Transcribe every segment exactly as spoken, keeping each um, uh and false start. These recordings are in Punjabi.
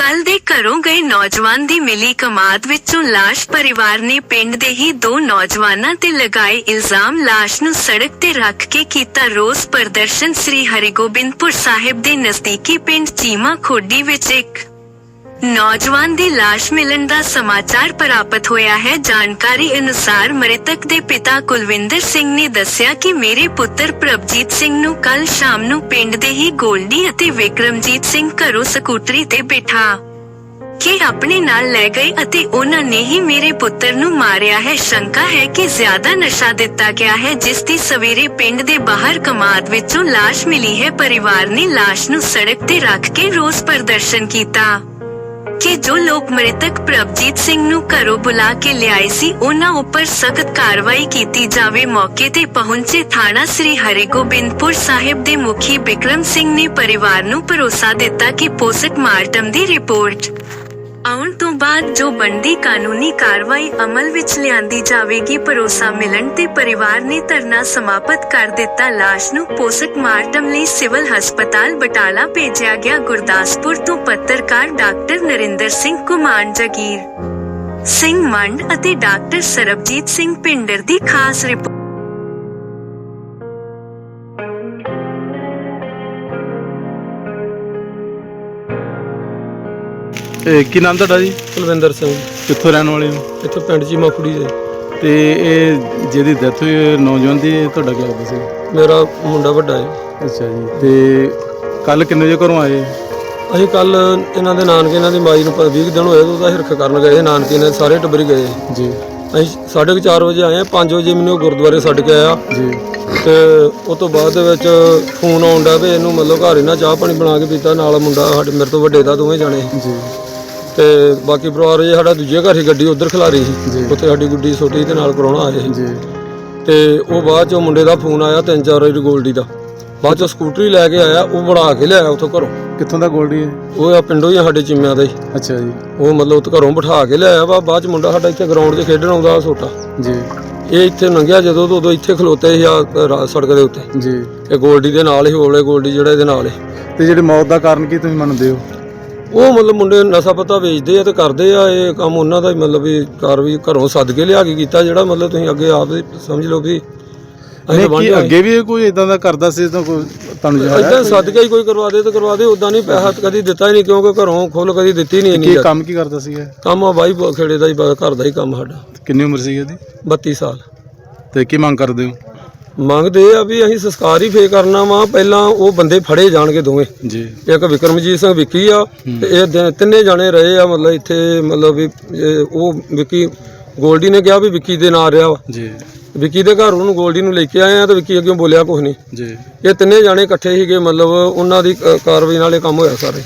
कल दे घरों गए नौजवान दी मिली कमाद विचों लाश परिवार ने पिंड दे ही दो नौजवानां ते लगाए इल्जाम। लाश नूं सड़क ते रख के कीता रोस प्रदर्शन। श्री हरिगोबिंदपुर साहिब दे नजदीकी पिंड चीमा खोडी विच एक नौजवान दी लाश मिलन दा समाचार प्राप्त होया है। जानकारी अनुसार मृतक दे पिता कुलविंदर सिंह ने दस्सिया कि मेरे पुत्र प्रभजीत सिंह नूं कल शाम नूं पिंड दे ही गोल्डी अते विक्रमजीत सिंह घरों ਸਕੂਟਰੀ ते बिठा के अपने नाल लै गए अते उन्हां ने ही मेरे पुत्र नूं मारिया है। शंका है कि ज्यादा नशा दिता गया है, जिस दी सवेरे पिंड दे बाहर कमाद विचों लाश मिली है। परिवार ने लाश नूं सड़क ते रख के रोस प्रदर्शन कीता कि जो लोग मृतक प्रभजीत सिंह नूं घरों बुला के लियाए सी उन्हां उपर सख्त कार्रवाई कीती जावे। मौके ते पहुंचे थाना श्री हरिगोबिंदपुर साहिब दे मुखी बिक्रम सिंह ने परिवार नूं भरोसा दिता कि पोस्टमार्टम दी रिपोर्ट आउण तो बाद जो बनदी कानूनी कार्रवाई अमल विच लिआंदी जावेगी। भरोसा मिलन ते परिवार ने धरना समाप्त कर दिता। लाश नूं पोस्टमार्टम लई सिविल हस्पताल बटाला भेजिया गया। गुरदासपुर तो पत्रकार डॉक्टर नरिंदर सिंह कुमान, जगीर सिंह मंड अते डॉक्टर सरबजीत सिंह पिंडर दी खास रिपोर्ट। ਕੀ ਨਾਮ ਤੁਹਾਡਾ ਜੀ? ਕੁਲਵਿੰਦਰ ਸਿੰਘ। ਕਿੱਥੋਂ ਰਹਿਣ ਵਾਲੇ ਹੋ? ਇੱਥੋਂ ਪਿੰਡ ਚੀਮਾ ਖੁੜੀ ਦੇ। ਤੇ ਇਹ ਜਿਹਦੀ ਡੈਥ ਹੋਈ ਨੌਜਵਾਨ ਦੀ, ਤੁਹਾਡਾ ਕੀ ਲੱਗਦਾ ਸੀ? ਮੇਰਾ ਮੁੰਡਾ ਵੱਡਾ ਹੈ। ਅੱਛਾ ਜੀ। ਤੇ ਕੱਲ ਕਿੰਨੇ ਵਜੇ ਘਰੋਂ ਆਏ? ਅਸੀਂ ਕੱਲ ਇਹਨਾਂ ਦੇ ਨਾਨਕੇ, ਇਹਨਾਂ ਦੀ ਮਾਈ ਨੂੰ ਵੀਹ ਦਿਨ ਹੋਏ ਉਹਦਾ ਹਿਰਖ ਕਰਨ ਗਏ। ਨਾਨਕੇ ਨੇ ਸਾਰੇ ਟੱਬਰ ਗਏ ਜੀ। ਅਸੀਂ ਸਾਢੇ ਕੁ ਚਾਰ ਵਜੇ ਆਏ। ਪੰਜ ਵਜੇ ਮੈਨੂੰ ਗੁਰਦੁਆਰੇ ਛੱਡ ਕੇ ਆਇਆ ਜੀ। ਤੇ ਉਸ ਤੋਂ ਬਾਅਦ ਦੇ ਵਿੱਚ ਫੋਨ ਆਉਂਦਾ ਵੀ ਇਹਨੂੰ ਮਤਲਬ ਘਰ ਇਹਨਾਂ ਚਾਹ ਪਾਣੀ ਬਣਾ ਕੇ ਪੀਤਾ। ਨਾਲ ਮੁੰਡਾ ਸਾਡੇ ਮੇਰੇ ਤੋਂ ਵੱਡੇ ਦਾ, ਦੋਵੇਂ ਜਾਣੇ ਜੀ। ਤੇ ਬਾਕੀ ਪਰਿਵਾਰ ਜੇ ਸਾਡਾ ਦੂਜੇ ਘਰ ਹੀ ਗੱਡੀ ਉੱਧਰ ਖਿਲਾਰੀ ਸੀ, ਉੱਥੇ ਸਾਡੀ ਗੁੱਡੀ ਛੋਟੀ ਦੇ ਨਾਲ ਪ੍ਰਾਹੁਣਾ ਆਏ ਸੀ ਜੀ। ਤੇ ਉਹ ਬਾਅਦ ਚੋਂ ਮੁੰਡੇ ਦਾ ਫੋਨ ਆਇਆ ਤਿੰਨ ਚਾਰ ਵਾਰੀ ਗੋਲਡੀ ਦਾ। ਬਾਅਦ ਚੋਂ ਸਕੂਟਰੀ ਲੈ ਕੇ ਆਇਆ, ਉਹ ਬਣਾ ਕੇ ਲਿਆਇਆ ਉੱਥੋਂ ਘਰੋਂ। ਕਿੱਥੋਂ ਦਾ ਗੋਲਡੀ ਹੈ? ਉਹ ਆ ਪਿੰਡੋਂ ਹੀ ਆ ਸਾਡੇ ਚਿੰਮਿਆਂ ਦਾ ਹੀ। ਅੱਛਾ ਜੀ। ਉਹ ਮਤਲਬ ਉੱਥੇ ਘਰੋਂ ਬਿਠਾ ਕੇ ਲਿਆਇਆ ਵਾ। ਬਾਅਦ ਚ ਮੁੰਡਾ ਸਾਡਾ ਇੱਥੇ ਗਰਾਊਂਡ 'ਚ ਖੇਡਣ ਆਉਂਦਾ ਛੋਟਾ ਜੀ। ਇਹ ਇੱਥੇ ਲੰਘਿਆ ਜਦੋਂ ਤੋਂ ਉਦੋਂ ਇੱਥੇ ਖਲੋਤੇ ਸੀ ਆ ਸੜਕ ਦੇ ਉੱਤੇ ਜੀ। ਇਹ ਗੋਲਡੀ ਦੇ ਨਾਲ ਹੀ ਹੋਲੇ ਗੋਲਡੀ ਜਿਹੜਾ ਇਹਦੇ ਨਾਲ ਹੈ। ਤੇ ਜਿਹੜੇ ਮੌਤ ਦਾ ਕਾਰਨ ਕੀ ਤੁਸੀਂ ਮੰਨਦੇ ਹੋ? ਉਹ ਮਤਲਬ ਮੁੰਡੇ ਨਸ਼ਾ ਪਤਾ ਵੇਚਦੇ ਆ ਤੇ ਕਰਦੇ ਆ ਇਹ ਕੰਮ। ਉਹਨਾਂ ਦਾ ਹੀ ਮਤਲਬ ਵੀ ਕਾਰਵਾਈ ਘਰੋਂ ਸੱਦ ਕੇ ਲਿਆ ਕੇ ਕੀਤਾ, ਜਿਹੜਾ ਮਤਲਬ ਤੁਸੀਂ ਅੱਗੇ ਆਪ ਸਮਝ ਲਓ ਵੀ ਅੱਗੇ ਵੀ ਕੋਈ ਇਦਾਂ ਦਾ ਕਰਦਾ ਸੀ ਤਾਂ ਕੋਈ ਤੁਹਾਨੂੰ ਇਦਾਂ ਸੱਦ ਕੇ ਹੀ ਕੋਈ ਕਰਵਾ ਦੇ ਤੇ ਕਰਵਾ ਦੇ। ਉਦਾਂ ਨਹੀਂ ਪੈਸਾ ਕਦੀ ਦਿੱਤਾ ਹੀ ਨਹੀਂ, ਕਿਉਂਕਿ ਘਰੋਂ ਖੁੱਲ ਕਦੀ ਦਿੱਤੀ ਨਹੀਂ। ਕੀ ਕੰਮ ਕੀ ਕਰਦਾ ਸੀ? ਕੰਮ ਆ ਬਾਈ ਖੇੜੇ ਦਾ ਹੀ, ਘਰ ਦਾ ਹੀ ਕੰਮ ਸਾਡਾ। ਕਿੰਨੀ ਉਮਰ ਸੀ ਇਹਦੀ? ਬੱਤੀ ਸਾਲ। ਤੇ ਕੀ ਮੰਗ ਕਰਦੇ ਹੋ? ਮੰਗਦੇ ਆ ਵੀ ਅਸੀਂ ਸੰਸਕਾਰ ਹੀ ਫੇਰ ਕਰਨਾ ਵਾ। ਪਹਿਲਾਂ ਉਹ ਬੰਦੇ ਫੜੇ ਜਾਣਗੇ ਦੋਵੇਂ ਜੀ। ਇੱਕ ਵਿਕਰਮਜੀਤ ਸਿੰਘ ਵਿੱਕੀ ਆ ਤੇ ਇਹ ਤਿੰਨੇ ਜਾਣੇ ਰਹੇ ਆ ਮਤਲਬ ਇੱਥੇ। ਮਤਲਬ ਵੀ ਉਹ ਵਿੱਕੀ ਗੋਲਡੀ ਨੇ ਕਿਹਾ ਵੀ ਵਿੱਕੀ ਦੇ ਨਾਂ ਰਿਹਾ ਵਾ ਜੀ। ਵਿੱਕੀ ਦੇ ਘਰ ਉਹਨੂੰ ਗੋਲਡੀ ਨੂੰ ਲੈ ਕੇ ਆਏ ਆ ਤੇ ਵਿੱਕੀ ਅੱਗੇ ਬੋਲਿਆ ਕੁਛ ਨਹੀਂ ਜੀ। ਇਹ ਤਿੰਨੇ ਜਾਣੇ ਇਕੱਠੇ ਸੀਗੇ, ਮਤਲਬ ਉਹਨਾਂ ਦੀ ਕਾਰਵਾਈ ਨਾਲ ਇਹ ਕੰਮ ਹੋਇਆ ਸਾਰੇ।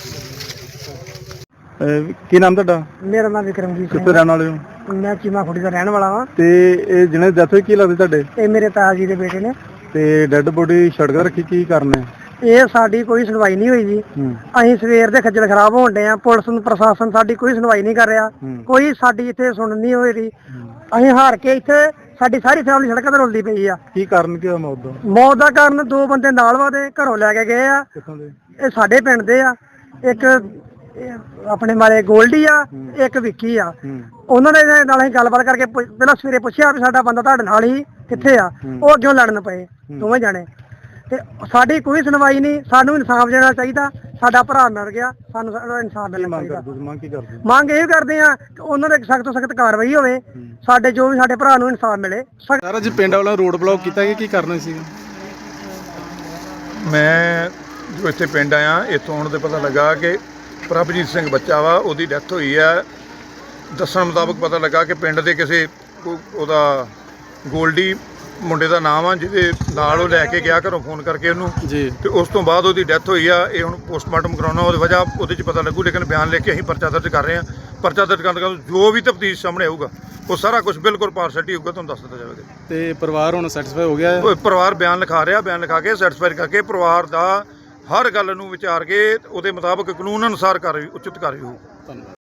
ਕੀ ਨਾਮ ਤੁਹਾਡਾ? ਮੇਰਾ ਨਾਮ ਵਿਕਰਮਜੀਤ ਸਿੰਘ। ਕਿੱਥੋਂ ਰਹਿਣ ਵਾਲੇ ਹੋ? ਮੈਂ ਚੀਮਾ ਖੁੜੀ ਦਾ ਰਹਿਣ ਵਾਲਾ ਹਾਂ। ਤੇ ਇਹ ਜਿਹਨੇ ਡੈਥ ਹੋਈ ਕੀ ਲੱਗਦੇ ਤੁਹਾਡੇ? ਇਹ ਮੇਰੇ ਤਾਇਆ ਜੀ ਦੇ ਬੇਟੇ ਨੇ। ਤੇ ਡੈੱਡ ਬੋਡੀ ਸੜਕ ਤੇ ਰੱਖੀ, ਕੀ ਕਰਨਾ? ਇਹ ਸਾਡੀ ਕੋਈ ਸੁਣਵਾਈ ਨਹੀਂ ਹੋਈ ਜੀ। ਅਸੀਂ ਸਵੇਰ ਦੇ ਖੱਜਲ ਖਰਾਬ ਹੋਣ ਡਏ ਆ। ਪੁਲਿਸ ਨੂੰ ਪ੍ਰਸ਼ਾਸਨ ਸਾਡੀ ਕੋਈ ਸੁਣਵਾਈ ਨਹੀਂ ਕਰ ਰਿਹਾ। ਕੋਈ ਸਾਡੀ ਇੱਥੇ ਸੁਣ ਨਹੀਂ ਹੋ ਰਹੀ। ਅਸੀਂ ਹਾਰ ਕੇ ਇੱਥੇ ਸਾਡੀ ਸਾਰੀ ਫੈਮਿਲੀ ਸੜਕਾਂ ਤੇ ਰੁਲਦੀ ਪਈ ਆ। ਕੀ ਕਾਰਨ ਕੀ ਹੋਇਆ ਮੌਤ ਦਾ? ਮੌਤ ਦਾ ਕਾਰਨ ਦੋ ਬੰਦੇ ਨਾਲ ਵਾਦੇ ਘਰੋਂ ਲੈ ਕੇ ਗਏ ਆ। ਕਿੱਥੋਂ ਦੇ? ਇਹ ਸਾਡੇ ਪਿੰਡ ਦੇ ਆ। ਇੱਕ ਆਪਣੇ ਮਾਰੇ ਗੋਲਡੀ ਆ, ਇੱਕ ਵਿੱਕੀ ਆ। ਉਹਨਾਂ ਦੇ ਨਾਲ ਅਸੀਂ ਗੱਲਬਾਤ ਕਰਕੇ ਪਹਿਲਾਂ ਸਵੇਰੇ ਪੁੱਛਿਆ ਵੀ ਸਾਡਾ ਬੰਦਾ ਤੁਹਾਡੇ ਨਾਲ ਹੀ ਕਿੱਥੇ ਆ। ਉਹ ਅੱਗੇ ਲੜਨ ਪਏ ਦੋਵੇਂ ਜਾਣੇ। ਤੇ ਸਾਡੀ ਕੋਈ ਸੁਣਵਾਈ ਨਹੀਂ। ਸਾਨੂੰ ਇਨਸਾਫ ਦੇਣਾ ਚਾਹੀਦਾ। ਸਾਡਾ ਭਰਾ ਮਰ ਗਿਆ, ਸਾਨੂੰ ਇਨਸਾਫ ਮਿਲਣਾ ਚਾਹੀਦਾ। ਮੰਗ ਕੀ ਕਰਦੇ? ਮੰਗ ਇਹ ਕਰਦੇ ਆ ਕਿ ਉਹਨਾਂ ਦੇ ਸਖਤ ਤੋਂ ਸਖਤ ਕਾਰਵਾਈ ਹੋਵੇ। ਸਾਡੇ ਜੋ ਵੀ ਸਾਡੇ ਭਰਾ ਨੂੰ ਇਨਸਾਫ ਮਿਲੇ। ਸਾਰਾ ਜੀ ਪਿੰਡ ਵਾਲਾ ਰੋਡ ਬਲੌਕ ਕੀਤਾ ਕਿ ਕੀ ਕਰਨਾ ਸੀ? ਮੈਂ ਜੋ ਇੱਥੇ ਪਿੰਡ ਆਇਆ, ਇੱਥੋਂ ਆਉਣ 'ਤੇ ਪਤਾ ਲੱਗਾ ਕਿ ਪ੍ਰਭਜੀਤ ਸਿੰਘ ਬੱਚਾ ਵਾ, ਉਹਦੀ ਡੈਥ ਹੋਈ ਹੈ। ਦੱਸਣ ਮੁਤਾਬਕ ਪਤਾ ਲੱਗਾ ਕਿ ਪਿੰਡ ਦੇ ਕਿਸੇ ਉਹਦਾ ਗੋਲਡੀ ਮੁੰਡੇ ਦਾ ਨਾਮ ਆ, ਜਿਹਦੇ ਨਾਲ ਉਹ ਲੈ ਕੇ ਗਿਆ ਘਰੋਂ ਫੋਨ ਕਰਕੇ ਉਹਨੂੰ ਜੀ। ਤੇ ਉਸ ਤੋਂ ਬਾਅਦ ਉਹਦੀ ਡੈਥ ਹੋਈ ਆ। ਇਹ ਹੁਣ ਪੋਸਟਮਾਰਟਮ ਕਰਾਉਣਾ, ਉਹਦੀ ਵਜ੍ਹਾ ਉਹਦੇ 'ਚ ਪਤਾ ਲੱਗੂ। ਲੇਕਿਨ ਬਿਆਨ ਲੈ ਕੇ ਅਸੀਂ ਪਰਚਾ ਦਰਜ ਕਰ ਰਹੇ ਹਾਂ। ਪਰਚਾ ਦਰਜ ਕਰਨ ਤੋਂ ਜੋ ਵੀ ਤਫਤੀਸ਼ ਸਾਹਮਣੇ ਆਊਗਾ ਉਹ ਸਾਰਾ ਕੁਝ ਬਿਲਕੁਲ ਪਾਰਸ਼ੈਲਿਟੀ ਹੋਊਗਾ, ਤੁਹਾਨੂੰ ਦੱਸ ਦਿੱਤਾ ਜਾਵੇਗਾ। ਤੇ ਪਰਿਵਾਰ ਹੁਣ ਸੈਟੀਸਫਾਈ ਹੋ ਗਿਆ? ਪਰਿਵਾਰ ਬਿਆਨ ਲਿਖਾ ਰਿਹਾ। ਬਿਆਨ ਲਿਖਾ ਕੇ ਸੈਟੀਸਫਾਈ ਕਰਕੇ ਪਰਿਵਾਰ ਦਾ ਹਰ ਗੱਲ ਨੂੰ ਵਿਚਾਰ ਕੇ ਉਹਦੇ ਮੁਤਾਬਕ ਕਾਨੂੰਨ ਅਨੁਸਾਰ ਕਾਰਵਾਈ ਉਚਿਤ ਕਾਰਵਾਈ ਹੋਊ। ਧੰਨਵਾਦ।